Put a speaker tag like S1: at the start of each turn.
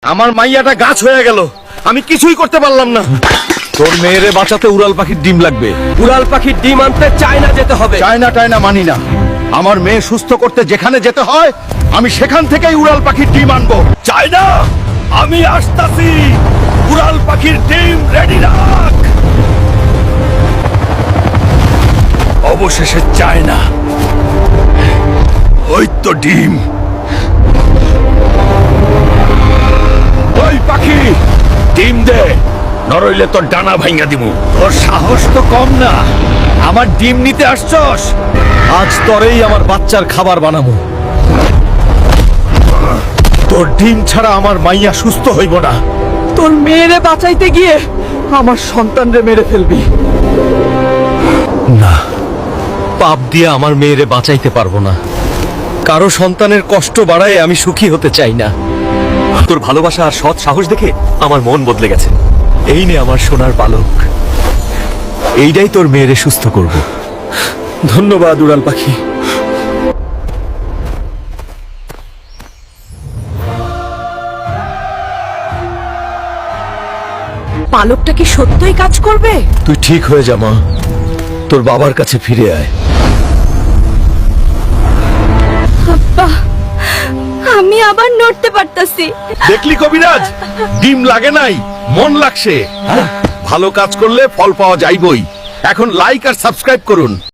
S1: আমার মাইয়াটা গাছ হয়ে গেল, আমি কিছুই করতে পারলাম না। তোর মেয়েরে বাঁচাতে উড়াল পাখির ডিম লাগবে।
S2: উড়াল পাখির ডিম আনতে চায়না যেতে হবে।
S1: চায়না মানি না। আমার মেয়ে সুস্থ করতে যেখানে যেতে হয় আমি সেখান থেকেই উড়াল পাখির ডিম আনবো। চায়না, আমি আসতাছি। উড়াল পাখির ডিম রেডি রাখ। অবশেষে চায়না, ওই তো ডিম। ওই পাখি, ডিম দে, নরইলে তোর ডানা ভাঙা দিমু। তোর সাহস তো কম না, আমার ডিম নিতে আসছস? আজ তোরেই আমার বাচ্চার খাবার বানাবো। তোর ডিম ছাড়া আমার মাইয়া সুস্থ হইব না।
S2: তোর মেয়েরে বাঁচাইতে গিয়ে আমার সন্তানরে মেরে ফেলবি।
S1: না, পাপ দিয়ে আমার মেয়েরে বাঁচাইতে পারবো না। কারো সন্তানের কষ্ট বাড়ায় আমি সুখী হতে চাই না।
S3: তোর ভালোবাসা আর সৎ সাহস দেখে আমার মন বদলে গেছে।
S1: এই নে আমার সোনার পালক, এইটাই তোর মেয়েরে সুস্থ করব। ধন্যবাদ উড়াল পাখি।
S4: পালকটা কি সত্যই কাজ করবে?
S1: তুই ঠিক হয়ে যা মা, তোর বাবার কাছে ফিরে আয়।
S4: আমি আবার নড়তে পারতাছি।
S1: দেখলি কবিরাজ, ডিম লাগে নাই, মন লাগছে। ভালো কাজ করলে ফল পাওয়া যাইবই। এখন লাইক আর সাবস্ক্রাইব করুন।